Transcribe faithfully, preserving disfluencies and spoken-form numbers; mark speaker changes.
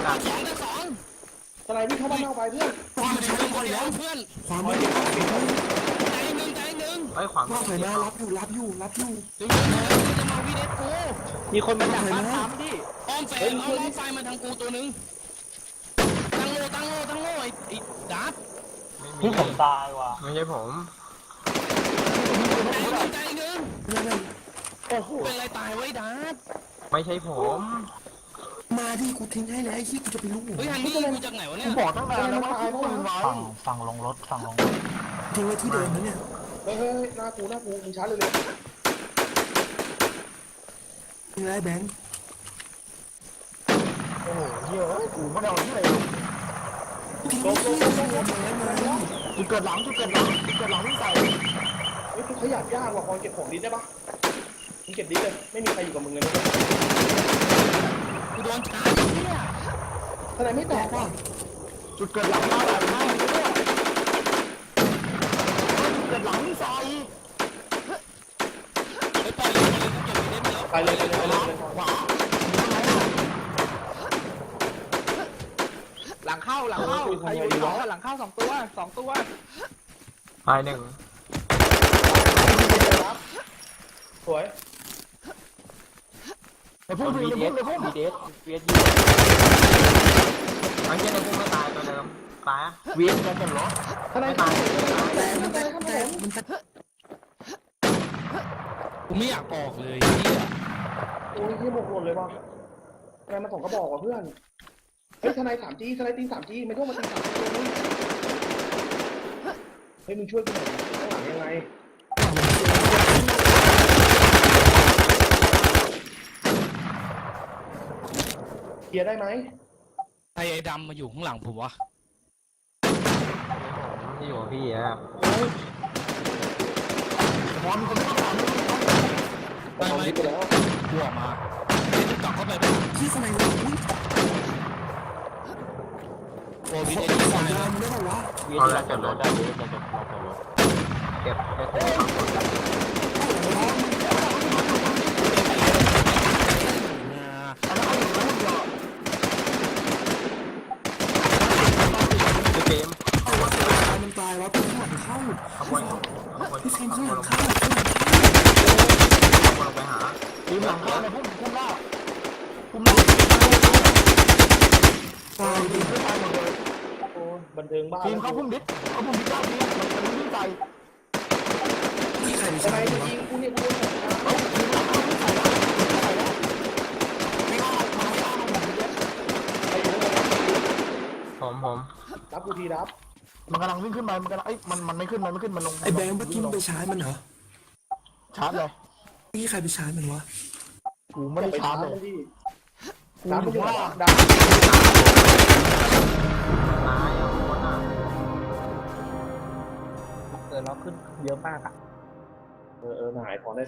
Speaker 1: สองแต่สองสไลด์วิ่งเข้าบ้านนอกไปเพื่อนความมันใช้คนแล้วเพื่อนความมันใจหนึ่งใจหนึ่งไอ้ขวางว่าใส่มารับอยู่รับอยู่รับอยู่จะมาจะมาวีเดสกูมีคนมาจากบ้านทำดิอ้อมแฝงอ้อมไฟมาทางกูตัวนึงตั้งโลตั้งโลตั้งโลไอ้ไอ้ดับ
Speaker 2: ที่ผมตายว่ะ
Speaker 3: ไม่ใช่ผม
Speaker 1: ใจหนึ่งโอ้โหเป็นอะไรตายไว้ดับ
Speaker 3: ไม่ใช่ผม
Speaker 1: มาดิกูทิ้งให้แล้วไอ้ขี้กูจะไปรู้เฮ้ยฮันนี่กูจากไหนวะเนี่ย
Speaker 2: บอกตั้งนานแล้วว่าทิ้งปืนไว้ฝั่งฝั่งลงรถฝั่งลงรถ
Speaker 1: ทิ้งไว้ที่เดิมนะเนี่ย
Speaker 4: เฮ้ยเฮ้ยหน้ากูหน้ากูมึงช้าเลยเลย
Speaker 1: ทิ้งไรแบงค์
Speaker 2: โอ้โหเยอะกูไม่ได้เอาที่ไหน
Speaker 1: ทิ้งไว้ที่เดิมเลย
Speaker 2: จุดเกิดหลังจุดเกิดหลังจุดเกิดหลังที่ใส่
Speaker 4: เฮ้ยกูขยับยากว่ะพอเก็บของดิสได้ปะมึงเก็บดิสเลยไม่มีใครอยู่กับมึงเลยนะ
Speaker 1: กูโดนชาร์จเนี่ย
Speaker 4: ทนายไม่แตกว่ะ
Speaker 2: จุดเกิดหลังมาแบบไหนเนี่ยจุดเกิดหลังที่ใส่
Speaker 4: ไปเลยไปเลยไปเลย
Speaker 2: ขวาหลังเข้าหลังเข้าใครอยู่สองหลังเข้าสองตัวสองตัว
Speaker 3: ตายหนึ่ง
Speaker 4: สวย
Speaker 2: ไปพุ่งไปพุ่งไปพุ่งเดสเวียดยู
Speaker 3: ไอ้เจ้าในพุ่งไม่ตายตัวเดิมตาย
Speaker 2: เวียดกันกันเหรอ
Speaker 4: ทนายตายแต่
Speaker 1: มันแต่แต่มันกูไม่อยากออกเลย
Speaker 4: โอ้ยที่หมกหมดเลยว่ะทนายมาส่งกระบอกว่ะเพื่อนเฮ้ยทนายสามจีทนายตีสามจีไม่ต้องมาตีสามจีเลยเฮ้ยมึงช่วยกูหน่อยข้างหลังยังไงเคลียร์ได้ไหม
Speaker 1: ไอ้ไอ้ดำมาอยู่ข้างหลังผมวะ
Speaker 3: ที่อยู่พี่อะ
Speaker 2: มอนคนไม่ต้องถาม
Speaker 1: ไม่ไม่กูออกมาจะกลับเข้าไปที่สมัยนี้โอ้ยไอ้ที่สมัยนั้นไม่ได้วะ
Speaker 3: เอาละจอดรถได้เลยจอดรถจอดรถเก็บเก็บเกม
Speaker 1: มันตายวะพี่ข้างหลังเข้า
Speaker 3: ขโมยขโมย
Speaker 1: พี่เซมข้างหลังเข้า
Speaker 3: ขโมยไปหา
Speaker 2: ทีมหลังเข้าในพุ่มพุ่มล่าพุ่มล่า
Speaker 1: ตายดิ
Speaker 2: ไม่ตายหมดเลย
Speaker 4: โอ้บันเทิงบ้า
Speaker 2: ทีมเขาพุ่มดิเขาพุ่มดิเจ้าทีมันมันวิ่งใจ
Speaker 1: นี่ใคร
Speaker 4: ทนายจะยิงกูเนี่ยกูโดนสงคราม
Speaker 2: เฮ้ยทีมหลังเข้าวิ่งใส่แล้วใส่แล้วไม่เอามาไม่เอามาผมดิ
Speaker 4: ไปอยู่แล้ว
Speaker 3: ผมผม
Speaker 4: รับกูทีรับ
Speaker 2: มันกำลังวิ่งขึ้นมามันกำลังไอ้มันมันไม่ขึ้นมันไม่ขึ้นมันลง
Speaker 1: ไอ้แบงค์เมื่อกี้มึงไปชาร์จมันเหรอ
Speaker 2: ชาร์จเลย
Speaker 1: นี่ใครไปชาร์จมันวะ
Speaker 2: กูไม่ได้ชาร์จเลย
Speaker 4: กูอยู่ว่าดับ
Speaker 3: ตายอ่ะคนอ่ะ
Speaker 2: เออเราขึ้นเยอะมากอ่ะ
Speaker 4: เออเออหายพอได้